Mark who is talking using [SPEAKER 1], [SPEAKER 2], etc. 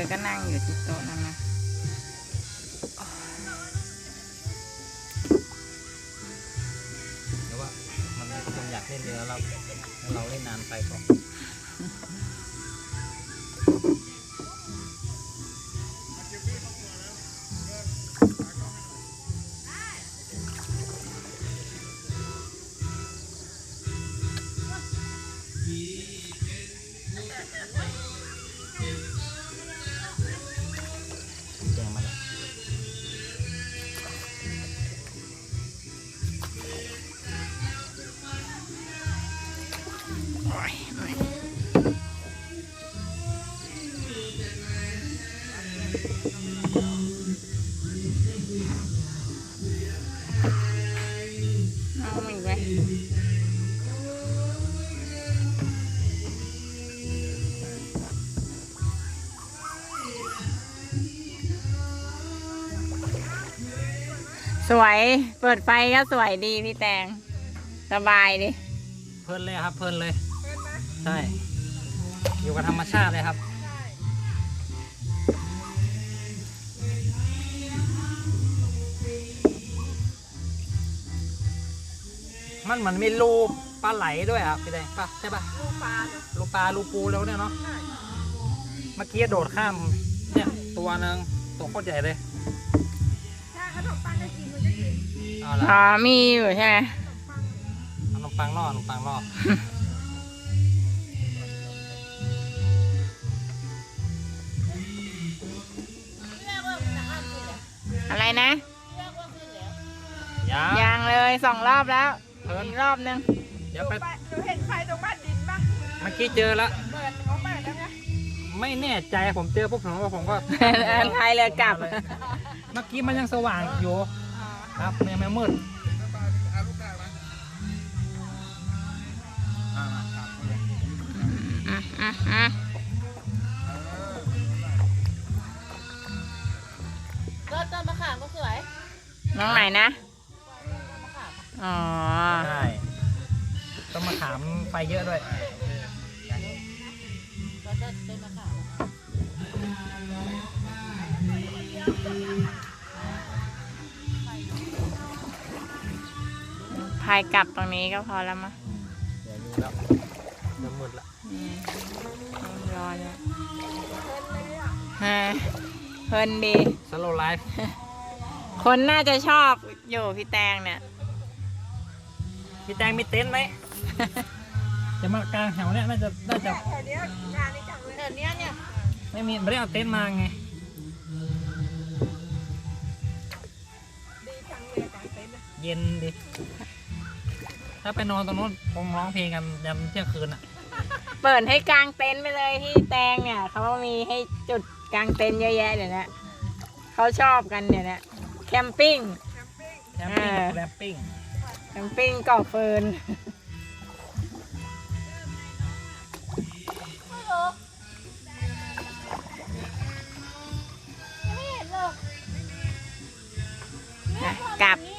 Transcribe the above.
[SPEAKER 1] ก็นั่งอยู่ที่โต๊ะนั่นนะ
[SPEAKER 2] หรือว่ามันคงอยากเล่นเรือเราเล่นนานไปก่อนแกงมาแล้ว
[SPEAKER 1] เอาอีกไหมสวยเปิดไฟก็สวยดีพี่แตงสบายดิ
[SPEAKER 2] เพลินเลยครับเพลินเลยใช่อยู่กับธรรมชาติเลยครับมันเหมือนมีรูปลาไหลด้วยครับพี่แดงป่ะใช่ป่ะรูปลารูปูแล้วเนี่ยเนาะเมื่อกี้โดดข้ามเนี่ยตัวนึงตัวโคตรใหญ่เลยเอาละ
[SPEAKER 1] อ๋อมีอยู่ใช่ไหม
[SPEAKER 2] ขนมปังล่อขนมปังล่อ
[SPEAKER 1] อะไรนะ
[SPEAKER 2] ยัง
[SPEAKER 1] ยังเลย2 รอบแล้ว
[SPEAKER 2] เพิ่น
[SPEAKER 1] อีกรอบนึง
[SPEAKER 2] เดี๋ยวไป
[SPEAKER 3] หนูเห็นไฟตรงบ้านดินป่ะ
[SPEAKER 2] เมื่อกี้เจอแล้ว
[SPEAKER 3] เปิดเขาเปิดแล้วไง
[SPEAKER 2] ไม่แน่ใจผมเจอปุ๊บผมก็
[SPEAKER 1] อันไทยเลยกลับ
[SPEAKER 2] เมื่อกี้มันยังสว่างอยู่ครับยังไม่มืด
[SPEAKER 3] ต้นมะขามก็สวย
[SPEAKER 1] น้องไหนนะ อ๋อ
[SPEAKER 2] ใช่ต้องมาถามไฟเยอะด้วย
[SPEAKER 3] ต้นมะขาม
[SPEAKER 1] พายกลับตรงนี้ก็พอแล้วมั้ง
[SPEAKER 2] เดี๋ยวอยู่แล้วเดี๋ยวมืดละ
[SPEAKER 1] รอเนี่ยฮะเพลินดี
[SPEAKER 2] สโลไลฟ์
[SPEAKER 1] คนน่าจะชอบอยู่พี่แตงเนี่ย
[SPEAKER 2] พี่แตงมีเต็นท์ไหม จะมากลางแถวเนี้ยน่าจะ
[SPEAKER 3] แถวเนี้ยงานนี้จังเลยแถวเนี้ยเนี่ย
[SPEAKER 2] ไม่ได้เอาเต็นท์มาไง
[SPEAKER 3] ดีจังเลยกางเต็นท์นะ
[SPEAKER 2] เย็นดิ ถ้าไปนอนตรงนู้นคงร้องเพลงกันยันเที่ยงคืนอ่ะ
[SPEAKER 1] เปิดให้กางเต็นท์ไปเลยที่แตงเนี่ยเขามีให้จุดกางเต็นท์เยอะแยะเดี๋ยวนี้เขาชอบกันเดี๋ยวนี้แคมปิ้ง
[SPEAKER 2] แคมปิ้งแรมปิ้ง
[SPEAKER 1] แคมปิ้งก่อเฟิร์น
[SPEAKER 3] ไม่เห็นเลย
[SPEAKER 1] กลับ